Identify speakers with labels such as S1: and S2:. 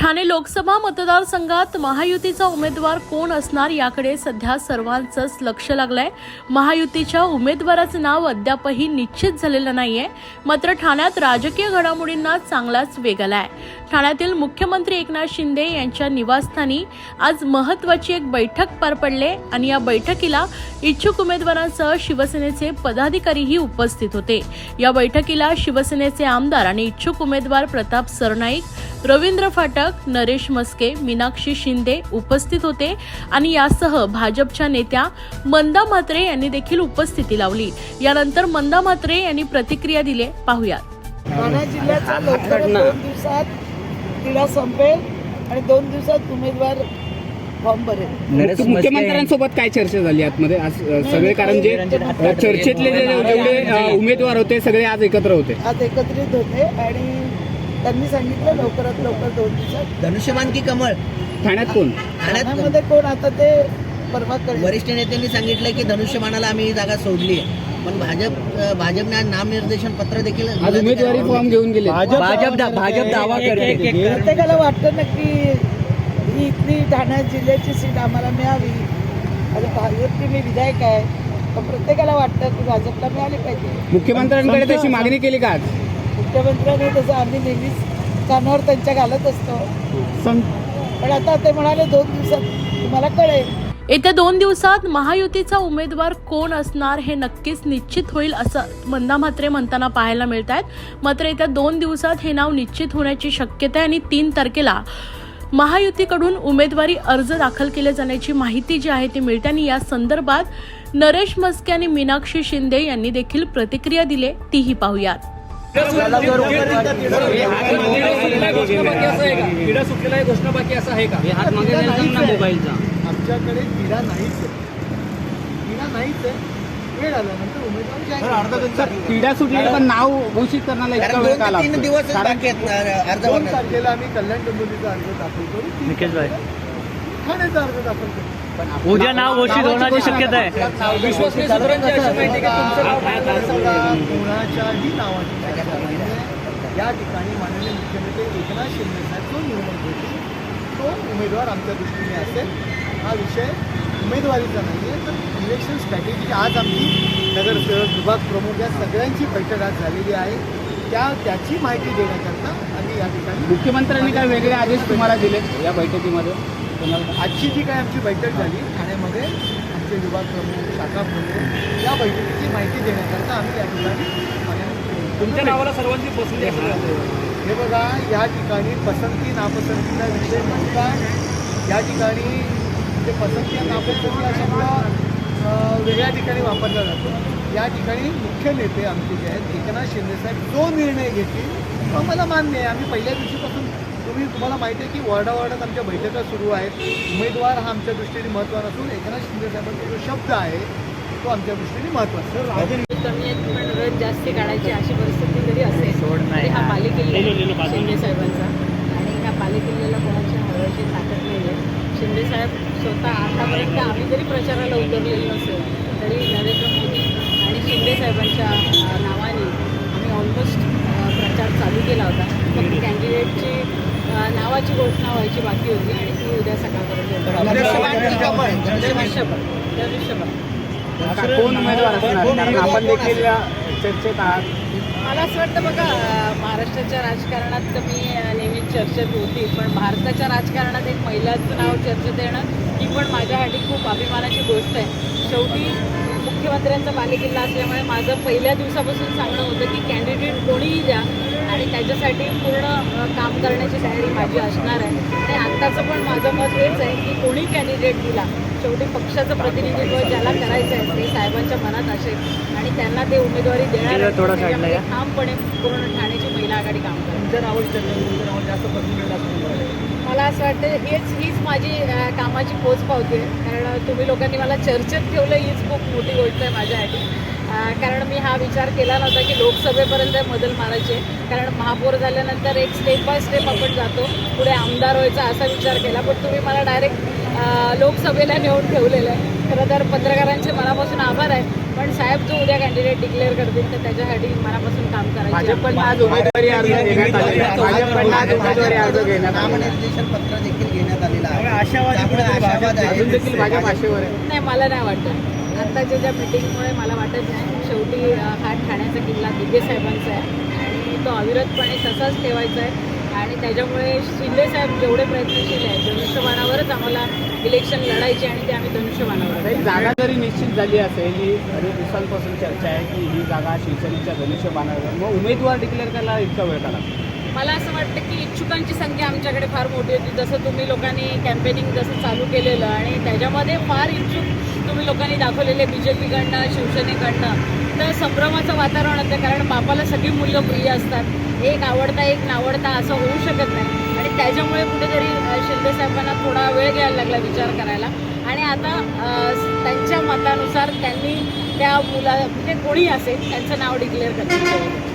S1: ठाणे लोकसभा मतदारसंघात महायुतीचा उमेदवार कोण असणार याकडे सध्या सर्वांचंच लक्ष लागलंय। महायुतीच्या उमेदवाराचं नाव अद्यापही निश्चित झालेलं नाहीये, मात्र ठाण्यात राजकीय घडामोडींना चांगलाच वेग आलाय। ठाण्यातील मुख्यमंत्री एकनाथ शिंदे यांच्या निवासस्थानी आज महत्त्वाची एक बैठक पार पडली आणि या बैठकीला इच्छुक उमेदवारांसह शिवसेनेचे पदाधिकारीही उपस्थित होते। या बैठकीला शिवसेनेचे आमदार आणि इच्छुक उमेदवार प्रताप सरनाईक, रवींद्र फाटक, नरेश मस्के, मीनाक्षी शिंदे उपस्थित होते आणि यासह भाजपच्या नेत्या मंदा म्हात्रे यांनी देखील उपस्थिती लावली। यानंतर मंदा म्हात्रे यांनी प्रतिक्रिया दिली, पाहूयात।
S2: ठाणे जिल्ह्याचा लवकरच 2 दिवसात तिढा संपेल आणि 2 दिवसात उमेदवार फॉर्म भरेल।
S3: मुख्यमंत्र्यांसोबत काय चर्चा झाली आतमध्ये आज सगळे, कारण जे चर्चेतले जेवढे उमेदवार होते सगळे आज एकत्र होते,
S2: आज एकत्रित होते आणि त्यांनी सांगितलं लवकरात लवकर 2 दिवसात
S4: धनुष्यबाण की कमळ
S3: ठाण्यात कोण,
S2: ठाण्यामध्ये कोण आता ते परवा करेल।
S4: वरिष्ठ नेत्यांनी सांगितलं की धनुष्यबाणाला आम्ही ही जागा सोडली आहे, पण भाजपने आज नामनिर्देशन पत्र देखील
S3: आज उमेदवारी फॉर्म घेऊन गेले। भाजप दावा करते,
S2: प्रत्येकाला वाटतं ना की ही इथली ठाणे जिल्ह्याची सीट आम्हाला मिळावी। आता भाजपची मी विधायक आहे, पण प्रत्येकाला वाटतं की भाजपला मिळाली पाहिजे।
S3: मुख्यमंत्र्यांकडे तशी मागणी केली का आज?
S2: मुख्यमंत्र्यांनी तसं आम्ही नेहमीच कानावर त्यांच्या घालत असतो, पण आता ते म्हणाले 2 दिवसात तुम्हाला कळेल।
S1: येत्या 2 दिवसात महायुतीचा उमेदवार कोण असणार हे नक्कीच निश्चित होईल असं मंदा म्हात्रे म्हणताना पाहायला मिळत आहेत। मात्र येत्या 2 दिवसात हे नाव निश्चित होण्याची शक्यता आहे आणि 3 तारखेला महायुतीकडून उमेदवारी अर्ज दाखल केले जाण्याची माहिती जी आहे ती मिळते आणि या संदर्भात नरेश मस्के आणि मीनाक्षी शिंदे यांनी देखील प्रतिक्रिया दिली, तीही पाहूयात।
S2: आमच्याकडे तिढा नाहीच आहे, वेळ आल्यानंतर उमेदवार
S3: तिढा सुटलेलं पण नाव घोषित करण्याला इतका वेळ का लागतो?
S4: 3 दिवस बाकी आहेत अर्ज
S2: 2 तारखेला आम्ही कल्याण डोंबिवलीचा अर्ज दाखल करू, ठाण्याचा अर्ज दाखल करू,
S3: पण
S5: उद्या नाव घोषित होण्याची शक्यता आहे।
S2: विश्वसनीय सूत्रांची अशी माहिती की कोणाच्याही नावाची चर्चा नाहीये। या ठिकाणी माननीय मुख्यमंत्री एकनाथ शिंदे साहेब जो निर्णय घेतील तो उमेदवार आमच्या दृष्टीने असेल। हा विषय उमेदवारीचा नाही आहे, तर इलेक्शन स्ट्रॅटेजी। आज आमची नगरसेवक, विभाग प्रमुख या सगळ्यांची बैठक आज झालेली आहे, त्याची माहिती देण्याकरता आम्ही या ठिकाणी।
S3: मुख्यमंत्र्यांनी काय वेगळे आदेश तुम्हाला दिले या बैठकीमध्ये?
S2: आजची जी काय आमची बैठक झाली ठाण्यामध्ये, आमचे विभाग प्रमुख, शाखा प्रमुख या बैठकीची माहिती देण्याकरता आम्ही या ठिकाणी
S5: तुमच्या नावाला सर्वांची पसंती
S2: हे बघा, या ठिकाणी पसंती नापसंतीचा विषय नसता। या ठिकाणी जे पसंती आणि नापसंती हा शब्द वेगळ्या ठिकाणी वापरला जातो। या ठिकाणी मुख्य नेते आमचे जे आहेत एकनाथ शिंदे साहेब जो निर्णय घेतील तो आम्हाला मान्य आहे। आम्ही पहिल्या दिवशीपासून तुम्हाला माहिती आहे की वॉर्डावॉर्डात आमच्या बैठका सुरू आहेत। उमेदवार हा आमच्या दृष्टीने महत्त्वाचा असून एकनाथ शिंदे साहेबांचा जो शब्द आहे तो आमच्या दृष्टीने महत्त्वाचा आहे।
S6: कमी आहेत पण रथ जास्त काढायची अशी परिस्थिती जरी असेल तरी हा बालेकिल्ला शिंदे साहेबांचा, आणि ह्या बालेकिल्ल्याला कोणाची हरवायची ताकद नाही आहे। शिंदे साहेब स्वतः आतापर्यंत आम्ही जरी प्रचाराला उतरलेलो नसेल तरी नरेंद्र मोदी आणि शिंदे साहेबांच्या नावाने आम्ही ऑलमोस्ट प्रचार चालू केला होता। फक्त कॅन्डिडेटची नावाची घोषणा व्हायची बाकी होती आणि ती उद्या सकाळपर्यंत
S3: कोण उमेदवार असणार? कारण आपण देखील चर्चेत आहात।
S6: मला असं वाटतं बघा, महाराष्ट्राच्या राजकारणात तर मी नेहमीच चर्चेत होती, पण भारताच्या राजकारणात एक महिलाचं नाव चर्चेत येणं ही पण माझ्यासाठी खूप अभिमानाची गोष्ट आहे। शेवटी मुख्यमंत्र्यांचा बालेकिल्ला असल्यामुळे माझं पहिल्या दिवसापासून सांगणं होतं की कॅन्डिडेट कोणीही द्या आणि त्याच्यासाठी पूर्ण काम करण्याची तयारी माझी असणार आहे। आणि आत्ताचं पण माझं मत हेच आहे की कोणी कॅन्डिडेट दिला, शेवटी पक्षाचं प्रतिनिधित्व ज्याला करायचं आहे ते साहेबांच्या मनात असेल आणि त्यांना ते उमेदवारी देणार आहे। ठामपणे पूर्ण ठाण्याची महिला आघाडी काम मला असं वाटतं हीच माझी कामाची पोच पावते, कारण तुम्ही लोकांनी मला चर्चेत ठेवलं हीच खूप मोठी गोष्ट आहे माझ्यासाठी। कारण मी हा विचार केला नव्हता की लोकसभेपर्यंत बदल मारायचे, कारण महापौर झाल्यानंतर एक स्टेप बाय स्टेप आपण जातो, पुढे आमदार व्हायचा असा विचार केला. पण तुम्ही मला डायरेक्ट लोकसभेला नेऊन ठेवलेलं आहे. खरं तर पत्रकारांचे मनापासून आभार आहे, पण साहेब जो उद्या कॅन्डिडेट डिक्लेअर करतील तर त्याच्यासाठी मनापासून काम करायचं.
S3: भाजपकडनं आज उमेदवारी अर्ज घेण्यात आलेला आहे. भाजपकडनं आज उमेदवारी अर्ज घेण्यात आलेला आहे.
S4: नामनिर्देशन पत्र देखील घेण्यात आलेलं आहे.
S5: आशावादी
S4: त्यामुळे आशावाद आहे.
S3: अजून देखील भाजप आशेवर आहे.
S6: नाही, मला नाही वाटत. आत्ताच्या ज्या मिटिंगमुळे मला वाटत नाही. शेवटी हा ठाण्याचा किल्ला दिघे साहेबांचा आहे आणि तो अविरतपणे तसाच ठेवायचा आहे. आणि त्याच्यामुळे शिंदे साहेब जेवढे प्रयत्नशील आहेत, धनुष्यबाणावरच आम्हाला इलेक्शन लढायचे आणि ते आम्ही धनुष्यबाणावर.
S3: एक जागा जरी निश्चित झाली असेल, ही अनेक दिवसांपासून चर्चा आहे की ही जागा शिवसेनेच्या धनुष्यबाणावर, मग उमेदवार डिक्लेअर करायला इतका वेळ काढा.
S6: मला असं वाटतं की इच्छुकांची संख्या आमच्याकडे फार मोठी होती. जसं तुम्ही लोकांनी कॅम्पेनिंग जसं चालू केलेलं आणि त्याच्यामध्ये फार इच्छुक तुम्ही लोकांनी दाखवलेले BJPकडनं, शिवसेनेकडनं, तर संभ्रमाचं वातावरण होतं. कारण बापाला सगळी मुलं प्रिय असतात, एक आवडता एक नावडता असं होऊ शकत नाही. आणि त्याच्यामुळे कुठेतरी शिंदे साहेबांना थोडा वेळ घ्यायला लागला विचार करायला. आणि आता त्यांच्या मतानुसार त्यांनी त्या मुला म्हणजे कोणी असेल त्यांचं नाव डिक्लेअर करण्यात